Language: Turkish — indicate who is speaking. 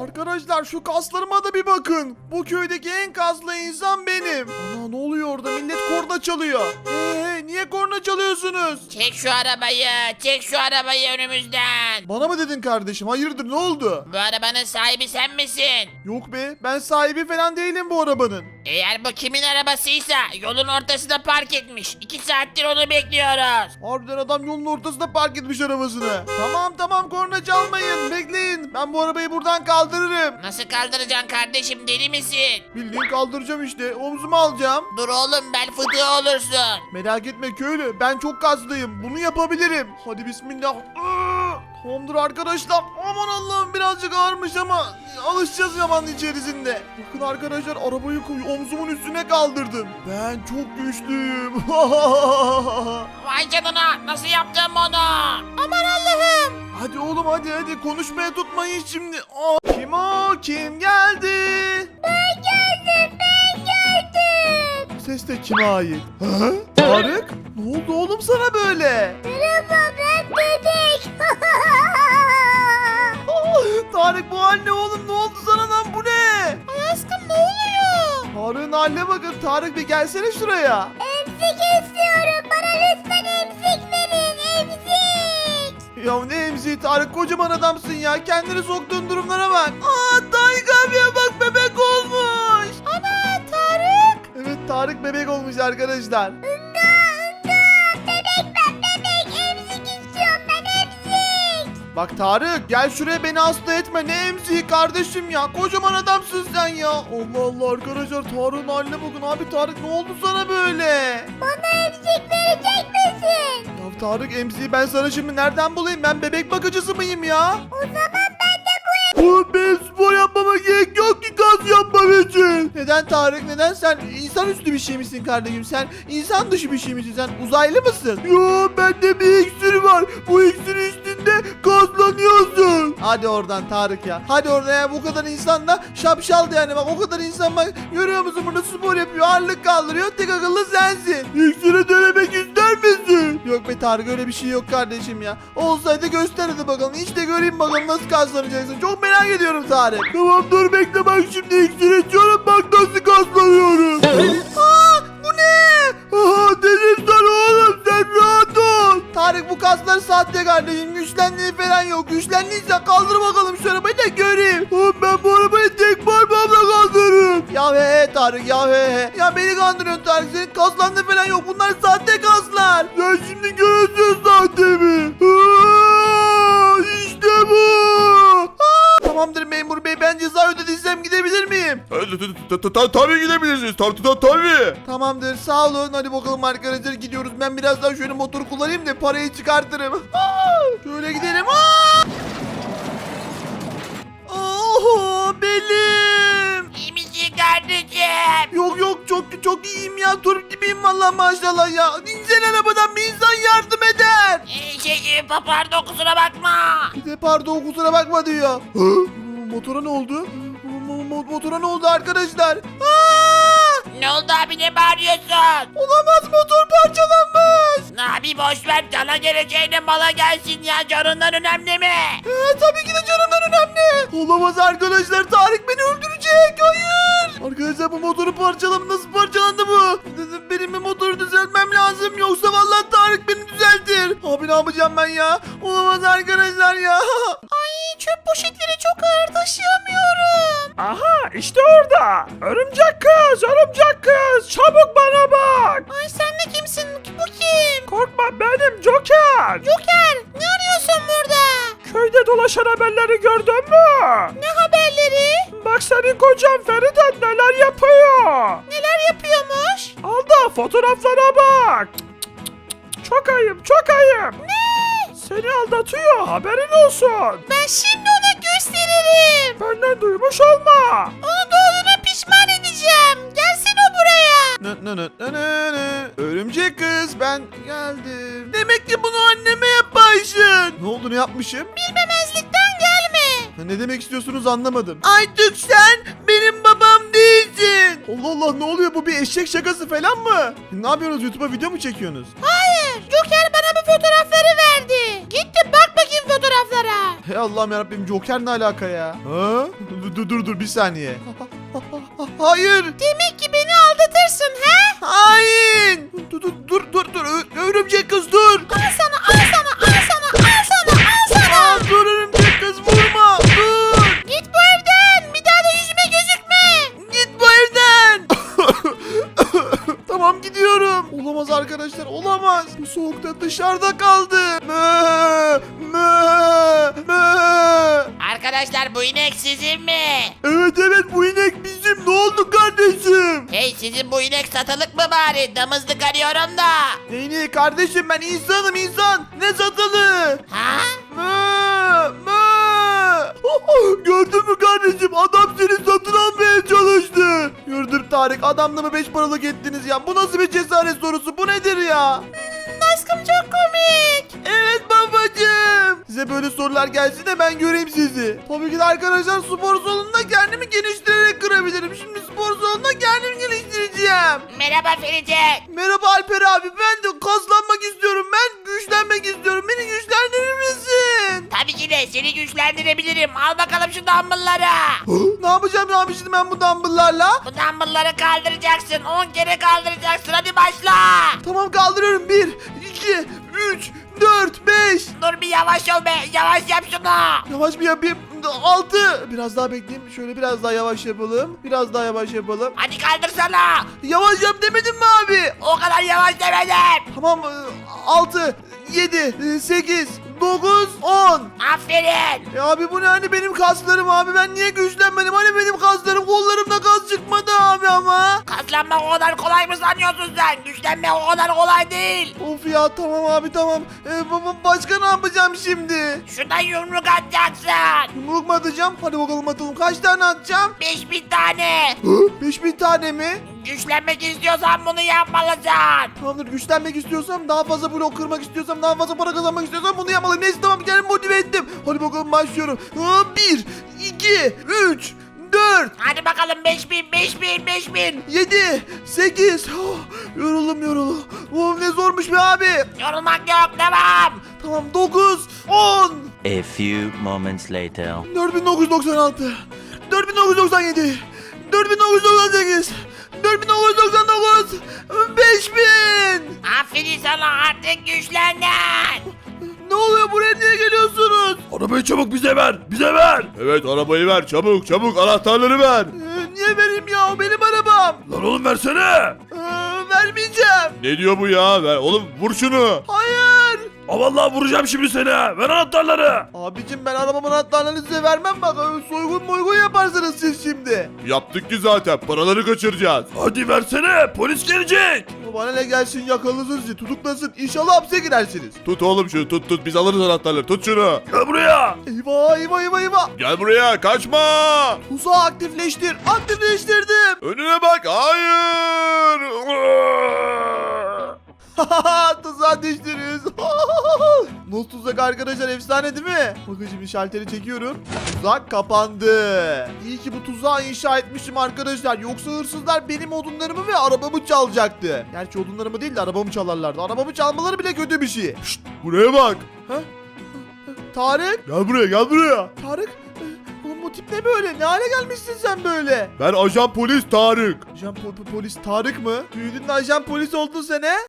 Speaker 1: Arkadaşlar şu kaslarıma da bir bakın. Bu köydeki en kaslı insan benim. Ana ne oluyor orada? Millet korna çalıyor. Niye korna çalıyorsunuz?
Speaker 2: Çek şu arabayı. Çek şu arabayı önümüzden.
Speaker 1: Bana mı dedin kardeşim? Hayırdır ne oldu?
Speaker 2: Bu arabanın sahibi sen misin?
Speaker 1: Yok be, ben sahibi falan değilim bu arabanın.
Speaker 2: Eğer bu kimin arabasıysa yolun ortasında park etmiş. 2 saattir onu bekliyoruz.
Speaker 1: Harbiden adam yolun ortasında park etmiş arabasını. Tamam korna çalmayın, bekleyin. Ben bu arabayı buradan kaldırırım.
Speaker 2: Nasıl kaldıracaksın kardeşim, deli misin?
Speaker 1: Bildiğin kaldıracağım işte, omzuma alacağım.
Speaker 2: Dur oğlum, bel fıtığı olursun.
Speaker 1: Merak etme köylü, ben çok kaslıyım. Bunu yapabilirim. Hadi bismillah. Tamamdır arkadaşlar. Aman Allah'ım, birazcık ağırmış ama alışacağız zamanın içerisinde. Bakın arkadaşlar, arabayı omzumun üstüne kaldırdım. Ben çok güçlüyüm.
Speaker 2: Vay canına, nasıl yaptın bunu? Aman Allah'ım.
Speaker 1: Hadi oğlum hadi konuşmaya tutmayın şimdi. Kim o? Kim geldi?
Speaker 3: Ben geldim.
Speaker 1: Bu ses de kime ait? Ha? Tarık? Ne oldu oğlum sana böyle?
Speaker 3: Merhaba, ben bebek.
Speaker 1: Tarık bu hal ne oğlum? Ne oldu sana lan, bu ne?
Speaker 3: Ay aşkım, ne oluyor?
Speaker 1: Tarık'ın haline bakın. Tarık bir gelsene şuraya.
Speaker 3: Emzik istiyorum. Bana lütfen emzik verin. Emzik.
Speaker 1: Ya ne emziği Tarık, kocaman adamsın ya. Kendini soktuğun durumlara bak. Tarık abiye bak, bebek olmuş.
Speaker 3: Ana, Tarık.
Speaker 1: Evet, Tarık bebek olmuş arkadaşlar.
Speaker 3: Bebek, ben bebek. Emzik istiyorum, ben emzik.
Speaker 1: Bak Tarık, gel şuraya, beni hasta etme. Ne emziği kardeşim ya, kocaman adamsın sen ya. Allah Allah arkadaşlar, Tarık'ın haline bakın. Abi Tarık, ne oldu sana böyle?
Speaker 3: Bana emzik verecek misin?
Speaker 1: Ya Tarık, emziği ben sana şimdi nereden bulayım? Ben bebek bakıcısı mıyım ya?
Speaker 3: O zaman ben de
Speaker 1: Oğlum benim spor yapmama gerek yok ki kas yapmam için. Neden Tarık, neden? Sen insanüstü bir şey misin kardeşim? Sen insan dışı bir şey misin? Sen uzaylı mısın? Yo, bende bir iksir var. Bu iksir içtiğinde kaslanıyorsun. Hadi oradan Tarık ya. Hadi oradan ya, bu kadar insan da şapşaldı yani. Bak o kadar insan, bak görüyor musun, burada spor yapıyor, ağırlık kaldırıyor. Tek akıllı sensin. İksiri denemek ister misin? Yok be Tarık, öyle bir şey yok kardeşim ya. Olsaydı göster hadi bakalım. İşte göreyim bakalım nasıl kaslanacaksın. Çok merak ediyorum Tarık. Tamam dur bekle, bak şimdi iksir içiyorum, bak nasıl kaslanıyorum. Bu ne? Dedim sana oğlum, sen rahat ol. Tarık, bu kaslar sahte kardeşim. Güçlendiği falan yok. Güçlendiysen kaldır bakalım şu arabayı da göreyim. Ben bu arabayı tek parmağımla kaldırırım. Ya he Tarık, ya he. Ya beni kandırıyorsun Tarık. Senin kaslandığı falan yok. Bunlar sahte kaslar. Sen şimdi görüyorsun sahtemi. İşte bu. Tamamdır memur bey, ben ceza ödediysem gidebilir miyim?
Speaker 4: Tabii gidebilirsiniz. Tabii.
Speaker 1: Tamamdır, sağ olun. Hadi bakalım arkadaşlar, gidiyoruz. Ben biraz daha şöyle motoru kullanayım da parayı çıkartırım. Şöyle gidelim. Belim.
Speaker 2: İyi misin kardeşim?
Speaker 1: Yok çok iyiyim ya. Turp gibiyim vallahi, maşallah ya. İnsan arabadan bir insan yardım eder.
Speaker 2: Pardon, kusura bakma.
Speaker 1: Bir de pardon, kusura bakma diyor. Motora ne oldu? Motora ne oldu arkadaşlar?
Speaker 2: Ne oldu abi, ne bağırıyorsun?
Speaker 1: Olamaz, motor parçalanmış.
Speaker 2: Abi boş ver, cana geleceğine mala gelsin ya, canından önemli mi?
Speaker 1: Tabii ki de canımdan önemli. Olamaz arkadaşlar, Tarık beni öldürecek. Hayır. Arkadaşlar, bu motoru parçalam, nasıl parçalandı bu? Benim bir motoru düzeltmem lazım, yoksa vallahi Tarık beni düzeltir. Abi ne yapacağım ben ya? Olamaz arkadaşlar ya.
Speaker 3: Ay, çöp poşetleri çok ağır, taşıyamıyorum.
Speaker 4: Aha işte orada. Örümcek kız çabuk bana bak.
Speaker 3: Ay, sen de kimsin? Bu kim?
Speaker 4: Korkma, benim Joker.
Speaker 3: Joker, ne arıyorsun burada?
Speaker 4: Köyde dolaşan haberleri gördün mü?
Speaker 3: Ne haberleri?
Speaker 4: Bak senin kocan Feride neler yapıyor.
Speaker 3: Neler yapıyormuş?
Speaker 4: Al da fotoğraflara bak. Çok ayıp.
Speaker 3: Ne?
Speaker 4: Seni aldatıyor, haberin olsun.
Speaker 3: Ben şimdi ona gösteririm.
Speaker 4: Benden duymuş olma.
Speaker 3: Onu doğduğuna pişman edeceğim. Gelsin o buraya.
Speaker 1: Örümcek kız, ben geldim. Demek ki bunu anneme yapmışsın. Ne oldu, ne yapmışım?
Speaker 3: Bilmemezlikten gelme.
Speaker 1: Ne demek istiyorsunuz, anlamadım. Artık sen benim babam değilsin. Allah Allah, ne oluyor, bu bir eşek şakası falan mı? Ne yapıyorsunuz, YouTube'a video mu çekiyorsunuz?
Speaker 3: Hayır. Joker bana bu fotoğrafları verdi. Git de bak bakayım
Speaker 2: fotoğraflara.
Speaker 1: Hey Allah'ım yarabbim, Joker ne alaka ya? Ha? Dur bir saniye. Hayır.
Speaker 2: Demek ki beni aldatırsın he?
Speaker 1: Hain. Dur. Örümcek kız dur.
Speaker 2: Al sana.
Speaker 1: Aa, dur örümcek kız, vurma. Dur.
Speaker 2: Git bu evden. Bir daha da yüzüme gözükme.
Speaker 1: Git bu evden. Tamam, gidiyorum. Olamaz arkadaşlar, olamaz. Bu soğukta dışarıda kaldı. Mö.
Speaker 2: Arkadaşlar bu inek sizin mi?
Speaker 1: Evet, bu inek bizim. Ne oldu kardeşim?
Speaker 2: Hey sizin bu inek satılık mı bari? Damızlık arıyorum da.
Speaker 1: Neyini kardeşim, ben insanım insan. Ne satılı?
Speaker 2: Ha?
Speaker 1: Mö. Gördün mü kardeşim? Adam seni satın almaya çalıştı. Yürüdür Tarık, adamla 5 paralık ettiniz ya. Bu nasıl bir cesaret sorusu? Bu nedir ya?
Speaker 2: Aşkım çok komik.
Speaker 1: Evet babacığım. Size böyle sorular gelsin de ben göreyim sizi. Tabii ki de arkadaşlar, spor salonunda kendimi geliştirerek kırabilirim. Şimdi spor salonunda kendimi geliştireceğim.
Speaker 2: Merhaba Ferice.
Speaker 1: Merhaba Alper abi, ben de kaslanmak istiyorum. Ben güçlenmek istiyorum. Beni güçlendirir misin?
Speaker 2: Tabii ki de seni güçlendirebilirim. Al bakalım şu dumbbellları.
Speaker 1: Ne yapacağım şimdi ben bu dumbbell'larla?
Speaker 2: Bu dumbbellları kaldıracaksın. 10 kere kaldıracaksın. Hadi başla.
Speaker 1: Tamam, kaldırıyorum. 1, 2, 3, 4, 5.
Speaker 2: Dur bir yavaş ol be. Yavaş yap şunu.
Speaker 1: Yavaş bir yapayım. 6. Biraz daha bekleyeyim. Şöyle biraz daha yavaş yapalım. Biraz daha yavaş yapalım.
Speaker 2: Hadi kaldırsana.
Speaker 1: Yavaş yap demedim mi abi?
Speaker 2: O kadar yavaş demedim.
Speaker 1: Tamam, 6, 7, 8, 9, 10.
Speaker 2: Aferin.
Speaker 1: Ya abi bu ne, hani benim kaslarım abi, ben niye güçlenmedim? Hani benim kaslarım, kollarımda kas çıkmadı abi ama.
Speaker 2: Kaslanmak o kadar kolay mı sanıyorsun sen? Güçlenmek o kadar kolay değil.
Speaker 1: Of ya, tamam abi tamam. Başka ne yapacağım şimdi?
Speaker 2: Şuradan yumruk atacaksın.
Speaker 1: Yumruk mu atacağım? Hadi bakalım atalım. Kaç tane atacağım?
Speaker 2: 5000 tane.
Speaker 1: 5000 tane mi?
Speaker 2: Güçlenmek istiyorsan bunu yapmalısın.
Speaker 1: Tamamdır, güçlenmek istiyorsam, daha fazla blok kırmak istiyorsam, daha fazla para kazanmak istiyorsam bunu yapmalıyım. Neyse tamam, kendimi motive ettim. Hadi bakalım başlıyorum. 1, 2, 3, 4,
Speaker 2: Hadi bakalım 5000.
Speaker 1: 7, 8. Yoruldum. Bu ne zormuş be abi.
Speaker 2: Yorulmak yok devam.
Speaker 1: Tamam, 9, 10.
Speaker 5: A few moments later.
Speaker 1: 4996, 4997, 4998, 4999, 5000.
Speaker 2: Aferin sana artık güçlendin.
Speaker 1: Ne oluyor, buraya niye geliyorsunuz?
Speaker 4: Arabayı çabuk bize ver.
Speaker 6: Evet, arabayı ver, çabuk anahtarları ver.
Speaker 1: Niye vereyim ya, o benim arabam.
Speaker 4: Lan oğlum versene.
Speaker 1: Vermeyeceğim.
Speaker 6: Ne diyor bu ya? Ver oğlum, vur şunu.
Speaker 1: Hayır.
Speaker 4: Vallahi vuracağım şimdi seni. Ver anahtarları.
Speaker 1: Abicim, ben arabamın anahtarlarını size vermem, bak soygun yaparsınız siz şimdi.
Speaker 6: Yaptık ki zaten, paraları kaçıracağız.
Speaker 4: Hadi versene. Polis gelecek.
Speaker 1: Bana ne gelsin, yakalasın sizi, tutuklasın, İnşallah hapse girersiniz.
Speaker 6: Tut oğlum şunu, tut, biz alırız anahtarları, tut şunu.
Speaker 4: Gel buraya.
Speaker 1: Eyvah.
Speaker 6: Gel buraya, kaçma.
Speaker 1: Tuzağı aktifleştirdim.
Speaker 6: Önüne bak, hayır.
Speaker 1: Tuzağa düştünüz. Nasıl tuzak arkadaşlar, efsane değil mi? Bakın şimdi şalteri çekiyorum. Tuzak kapandı. İyi ki bu tuzağı inşa etmişim arkadaşlar. Yoksa hırsızlar benim odunlarımı ve arabamı çalacaktı. Gerçi odunlarımı değil de arabamı çalarlardı. Arabamı çalmaları bile kötü bir şey. Şşt,
Speaker 6: Buraya bak.
Speaker 1: Tarık.
Speaker 6: Gel buraya.
Speaker 1: Tarık. Oğlum bu tip ne böyle? Ne hale gelmişsin sen böyle?
Speaker 6: Ben ajan polis Tarık.
Speaker 1: Ajan polis Tarık mı? Büyüdün de ajan polis oldun sen he?